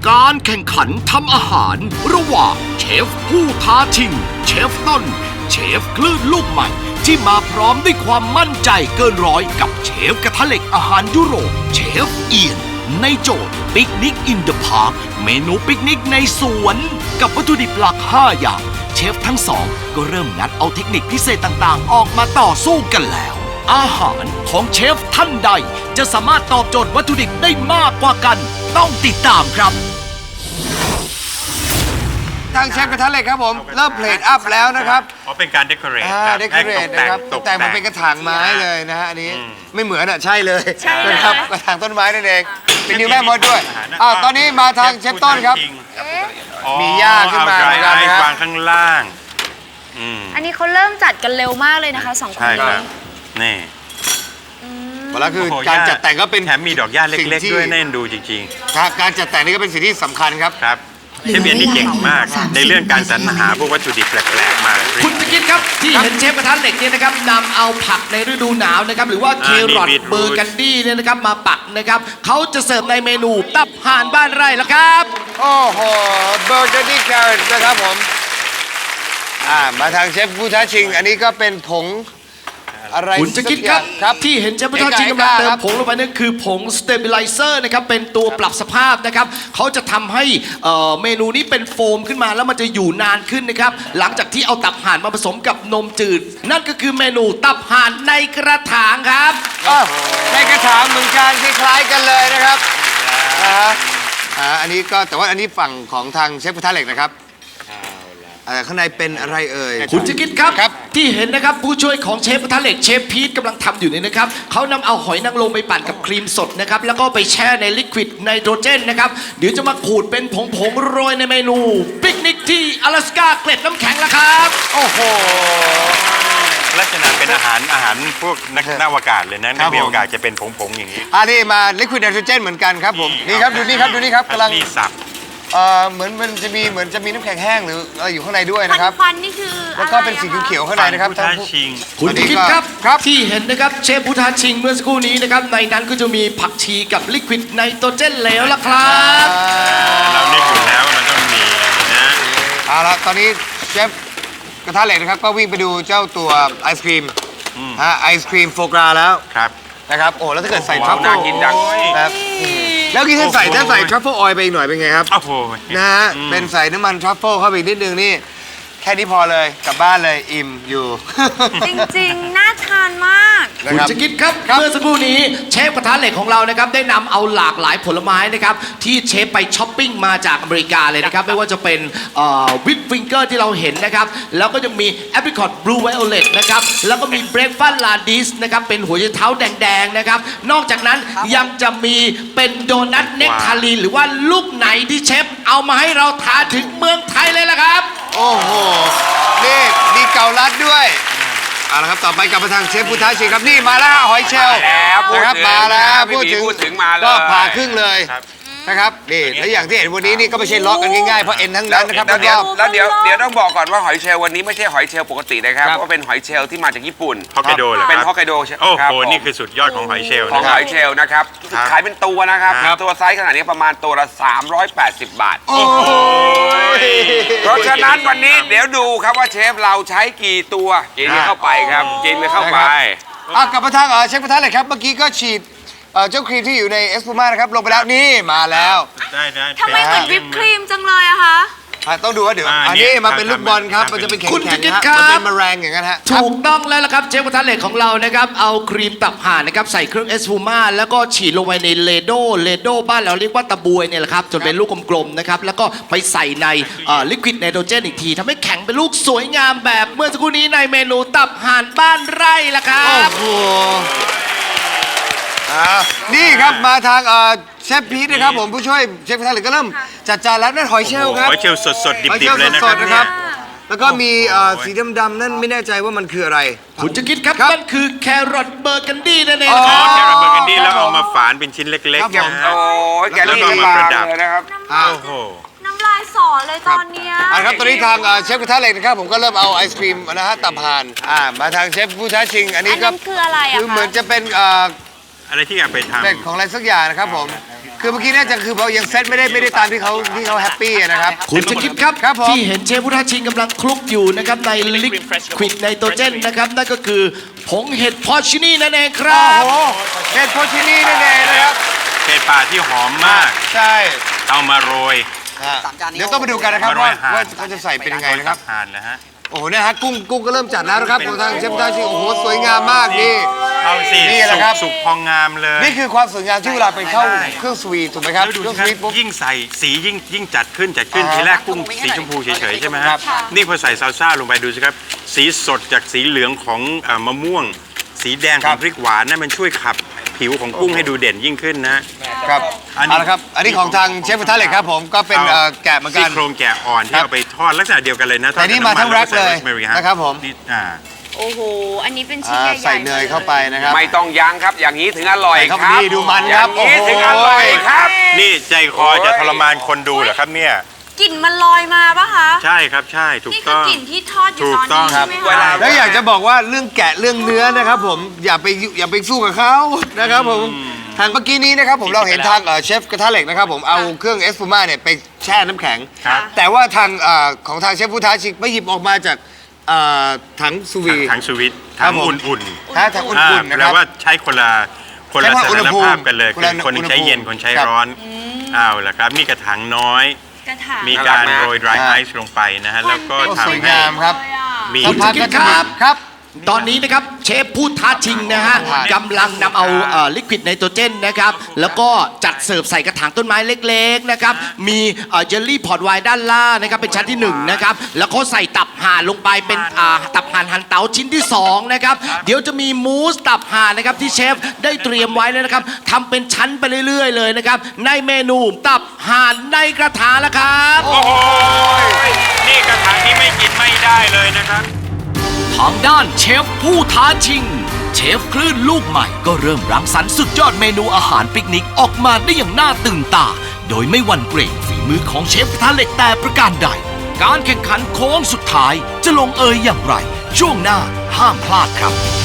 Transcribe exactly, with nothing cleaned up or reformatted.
การแข่งขันทำอาหารระหว่างเชฟผู้ท้าชิงเชฟต้นเชฟคลื่นลูกใหม่ที่มาพร้อมด้วยความมั่นใจเกินร้อยกับเชฟกระทะเหล็กอาหารยุโรปเชฟเอียนในโจทย์ปิกนิกอินเดอะพาร์คเมนูปิกนิกในสวนกับวัตถุดิบหลักห้าอย่างเชฟทั้งสองก็เริ่มงัดเอาเทคนิคพิเศษต่างๆออกมาต่อสู้กันแล้วอาหารของเชฟท่านใดจะสามารถตอบโจทย์วัตถุดิบได้มากกว่ากันต้องติดตามครับทางเชฟกระทะเหล็กครับผมเริ่มเพลทอัพแล้วนะครับอ๋อเป็นการเดคอเรทอ่าเดคอเรทนะครับตกแต่งมันเป็นกระถางไม้เลยนะฮะอันนี้ไม่เหมือนอ่ะใช่เลยนะครับกระถางต้นไม้นั่นเองเป็นนิวแม่มดด้วยอ่าตอนนี้มาทางเชฟต้นครับมีหญ้าขึ้นมาเหมือนกันนะวางข้างล่างอันนี้เขาเริ่มจัดกันเร็วมากเลยนะคะสองคนนี้นี่หมดแล้วคือการจัดแต่งก็เป็นแถมมีดอกหญ้าเล็กๆด้วยน่าเอ็นดูจริงๆการจัดแต่งนี่ก็เป็นสิ่งที่สำคัญครับครับเชฟเบียนนี่เก่งมากในเรื่องการสรรหาพวกวัตถุดิบแปลกๆมาคุณจะคิดครับที่เห็นเชฟกระทะเหล็กเนี่ยนะครับนำเอาผักในฤดูหนาวนะครับหรือว่าเครอทเบอร์กันดี้เนี่ยนะครับมาปักนะครับเขาจะเสิร์ฟในเมนูตับห่านบ้านไร่แล้วครับโอ้โหเบอร์กันดี้แครอทนะครับผมอ่ามาทางเชฟผู้ท้าชิงอันนี้ก็เป็นผงอะไรคุณจะคิดครับครับที่เห็นเชฟผู้ท้าชิงกำลังเติมผงลงไปนั่นคือผงสเตบิไลเซอร์นะครับเป็นตัวปรับสภาพนะครับเขาจะทำให้เมนูนี้เป็นโฟมขึ้นมาแล้วมันจะอยู่นานขึ้นนะครับหลังจากที่เอาตับห่านมาผสมกับนมจืดนั่นก็คือเมนูตับห่านในกระถางครับในกระถางเหมือนกันคล้ายๆกันเลยนะครับอ่าอันนี้ก็แต่ว่าอันนี้ฝั่งของทางเชฟกระทะเหล็กนะครับข้างในเป็นอะไรเอ่ยคุณจะคิดครับรบที่เห็นนะครับผู้ช่วยของเชฟกระทะเหล็กเชฟพีทกำลังทำอยู่นี่นะครับเขานำเอาหอยนางรมไปปั่นกับครีมสดนะครับแล้วก็ไปแช่ในลิควิดไนโตรเจนนะครับเดี๋ยวจะมาขูดเป็นผงๆโรยในเมนูปิกนิกที่阿拉斯加เกล็ดน้ำแข็งแล้วครับโอ้โหลักษณะเป็นอาหารอาหารพวกนักนักอวกาศเลยนะนักบินอวกาศจะเป็นผงๆอย่างนี้อันนี้มาลิควิดไนโตรเจนเหมือนกันครับผมนี่ครับดูนี่ครับดูนี่ครับกำลังสับเอ่อเหมือนมันจะมีเหมือนจะมีน้ำแข็งแห้งหรืออะไรอยู่ข้างในด้วยนะครับควันนี่คือแล้วก็เป็นสีเขียวๆข้างในนะครับท่านผู้ชิงคุณคิดครับครับที่เห็นนะครับเชฟผู้ท้าชิงเมื่อสักครู่นี้นะครับในนั้นก็จะมีผักชีกับลิควิดไนโตรเจนเหลวละครับเราเล่นอยู่แล้วมันต้องมีนะเอาละตอนนี้เชฟกระทะเหล็กนะครับก็วิ่งไปดูเจ้าตัวไอศครีมฮะไอศครีมโฟกราแล้วครับนะครับโอ้แล้วถ้าเกิดใส่ทรัฟเฟิลน่ากินจังครับแล้วกินถ้าใส่ถ้าใส่ทรัฟเฟิลออยล์ไปอีกหน่อยเป็นไงครับโอ้โหนะฮะเป็นใส่น้ำมันทรัฟเฟิลเข้าไปนิดนึงนี่แค่นี้พอเลยกลับบ้านเลยอิ่มอยู่จริงๆน่าทานมากคุณจะคิดครับเมื่อสักครู่นี้เชฟกระทะเหล็กของเรานะครับได้นำเอาหลากหลายผลไม้นะครับที่เชฟไปช้อปปิ้งมาจากอเมริกาเลยนะครับไม่ว่าจะเป็นวิปฟิงเกอร์ที่เราเห็นนะครับแล้วก็ยังมีแอปริคอตบลูไวโอเลตนะครับแล้วก็มีเบรกฟาสต์ลาดิสนะครับเป็นหัวใจเท้าแดงๆนะครับนอกจากนั้นยังจะมีเป็นโดนัทเนกทาลีนหรือว่าลูกไหนที่เชฟเอามาให้เราทานถึงเมืองไทยเลยละครับโอ้โหนี่มีเกาลัดด้วยเอาละครับต่อไปกลับมาทางเชฟผู้ท้าชิงครับนี่มาแล้วหอยเชลล์นะครับมาแล้วพูดถึงก็ผ่าครึ่งเลยนะครับนี่และอย่างที่เห็นวันนี้นี่ก็ไม่ใช่ล็อกกันง่ายๆเพราะเอ็นทั้งนั้นนะครับแล้วเดี๋ยวแล้วเดี๋ยวเดี๋ยวต้องบอกก่อนว่าหอยเชลล์วันนี้ไม่ใช่หอยเชลล์ปกตินะครับเพราะเป็นหอยเชลล์ที่มาจากญี่ปุ่นฮอกไกโดเลยเป็นฮอกไกโดใช่โอ้โหนี่คือสุดยอดของหอยเชลล์ของหอยเชลล์นะครับขายเป็นตัวนะครับตัวไซส์ขนาดนี้ประมาณตัวละสามร้อยแปดสิบบาทโอ้โหเพราะฉะนั้นวันนี้เดี๋ยวดูครับว่าเชฟเราใช้กี่ตัวกินเข้าไปครับกินเข้าไปอ่ะกลับมาทางเชฟกระทะเหล็กครับเมื่อกี้ก็ฉีดเจ้าครีมที่อยู่ในเอสพูม่านะครับลงไปแล้วนี่มาแล้วได้ได้ทำไมเหมือนวิปครีมจังเลยอะคะต้องดูว่าเดี๋ยวอันนี้มาเป็นลูกบอลครับมันจะเป็นแข็งๆนะมันเป็นมะแรงอย่างนั้นฮะถูกต้องแล้วละครับเชฟกระทะเหล็กของเรานะครับเอาครีมตับห่านนะครับใส่เครื่องเอสพูม่าแล้วก็ฉีดลงไปในเลโดเลโดบ้านเราเรียกว่าตะบวยเนี่ยแหละครับจนเป็นลูกกลมๆนะครับแล้วก็ไปใส่ในลิควิดไนโตรเจนอีกทีทำให้แข็งเป็นลูกสวยงามแบบเมื่อสักครู่นี้ในเมนูตับห่านบ้านไร่ละครับโอ้โหนี่ครับมาทางเชฟพีทนะครับผมผู้ช่วยเชฟกระทะเหล็กก็เริ่มจัดจานแล้วนั่นหอยเชลล์ครับหอยเชลล์สดๆดิบๆเลยนะครับแล้วก็มีสีดำๆนั่นไม่แน่ใจว่ามันคืออะไรคุณจะคิดครับนั่นคือแครอทเบอร์กันดี้นั่นเองครับแครอทเบอร์กันดี้แล้วเอามาฝานเป็นชิ้นเล็กๆครับโอ้ยแกนี่มาประดับเลยนะครับโอ้โหน้ำลายสอเลยตอนนี้อ่ะครับตอนนี้ทางเชฟกระทะเหล็กนะครับผมก็เริ่มเอาไอศครีมนะฮะตับห่านอ่ามาทางเชฟผู้ท้าชิงอันนี้ก็คืออะไรอ่ะคือเหมือนจะเป็นอะไรที่อยากไปทำเป็นของอะไรสักอย่างนะครับผมคือเมื่อกี้น่าจะคือเรายังเซตไม่ได้ไม่ได้ตามที่เขาที่เขาแฮปปี้นะครับคุณจะคิดครับครับผมที่เห็นเชฟพุทธชิงกำลังคลุกอยู่นะครับในลิควิดไนโตรเจนนะครับนั่นก็คือผงเห็ดพอชินี่นั่นเองครัโอ้บโหเห็ดโพชินี่นั่นเองนะครับเห็ดป่าที่หอมมากใช่เอามาโรยฮะเดี๋ยวต้องไปดูกันนะครับมาโรว่ายห่านว่าเขาจะใส่เป็นยังไงนะครับทานแล้วฮะโอ้โหเนี่ยฮะกุ้งกุ้งก็เริ่มจัดแล้วนะครับของทางเชฟพุทธชิงโอ้โหสวยงามมากนี่เอาสินี่แหละสุกครับสุกพองงามเลยนี่คือความสวยงามที่เวลาไปเข้าใช่เครื่องสวีทถูกไหมครับแล้วดูเครื่องสิสควีทปุ๊รับบยิ่งใส่สียิ่งยิ่งจัดขึ้นจัดขึ้นอ่าทีแรกกุ้งสีชมพูเฉยๆใช่ไหมฮะครับนี่พอใส่ซาลซ่าลงไปดูสิครับ สีสดจากสีเหลืองของเอ่อมะม่วง สีแดงของพริกหวานนั่นมันช่วยขับผิวของกุ้งให้ดูเด่นยิ่งขึ้นนะครับอันนี้เอาละครับ อันนี้ของทางเชฟพุทธเหล็กครับผมก็เป็นเอ่อแกะเหมือนกัซี่นโครงแกะอ่อนที่ครับเอาไปทอดลักษณะเดียวกันเลยนะทอดแต่นี่มาทั้งกับำแร็คเลยแวก็ใส่ rosemary ฮนะครับผมนี่อ่าโอ้โห อันนี้เป็นชิ้นอ่าใหญ่ๆใส่เนยเข้าไปนะครับไม่ต้องยั้งครับ อย่างนี้ถึงอร่อยใส่คเข้ารับไปดีดูมันครับอย่างนี้โอ้โหถึงอร่อยครับนี่ใจคอจะทรมานคนดูเหรอครับเนี่ยกลิ่นมันลอยมาปะคะใช่ครับใช่ถูกนี่คืต้อองกลิ่นที่ทอดอยู่ถูตกอนต้อนี้งใช่ไหมเวคะลาแล้วอยากจะบอกว่าเรื่องแกะเรื่องเนื้อนะครับผมอย่าไปอย่าไปสู้กับเขานะครับผมทางเมื่อกี้นี้นะครับผมเราเห็นทางเอ่อเชฟกระทะเหล็กนะครับผมเอาเครื่องเอสฟูม่าเนี่ยไปแช่น้ำแข็งครับแต่ว่าทางเอ่อของทางเชฟพุทธชิงไม่หยิบออกมาจากเอ่อถังซูวีถังสวิตช์ครัถับงผมอุ่นถ้าถังๆอุ่นๆนะคแปลรับว่าใช้คนละคนใช้ละว่าสอุณถาหนภูมิภาพกันเลยคนคือละคนหนึงใช้อุณหภูมิเย็นคนใช้ครับร้อนเอาละครับนี่กระถางน้อยกระถางมีการน่ารักนะโรย dry อ่า ice ลงไปนะฮะแล้วก็โอ้ทำสวยให้งามครับเลยอะมีสักพักก็จะมีครับครับตอนนี้นะครับเชฟผู้ท้าชิงนะฮะกำลังนำเอาลิควิดไนโตรเจนนะครับแล้วก็จัดเสิร์ฟใส่กระถางต้นไม้เล็กๆนะครับมีเจลลี่พอร์ตไวน์ด้านล่างนะครับเป็นชั้นที่หนึ่งนะครับแล้วก็ใส่ตับห่านลงไปเป็นอ่าตับห่านหั่นเต๋าชิ้นที่สองนะครับเดี๋ยวจะมีมูสตับห่านนะครับที่เชฟได้เตรียมไว้แล้วนะครับทำเป็นชั้นไปเรื่อยๆเลยนะครับในเมนูตับห่านในกระถางแล้วครับโอ้โหนี่กระถางนี้ไม่กินไม่ได้เลยนะครับทางด้านเชฟผู้ท้าชิง เชฟคลื่นลูกใหม่ก็เริ่มรังสรรค์สุดยอดเมนูอาหารปิกนิกออกมาได้อย่างน่าตื่นตา โดยไม่หวั่นเกรงฝีมือของเชฟกระทะเหล็กแต่ประการใด การแข่งขันโค้งสุดท้ายจะลงเอยอย่างไร ช่วงหน้าห้ามพลาดครับ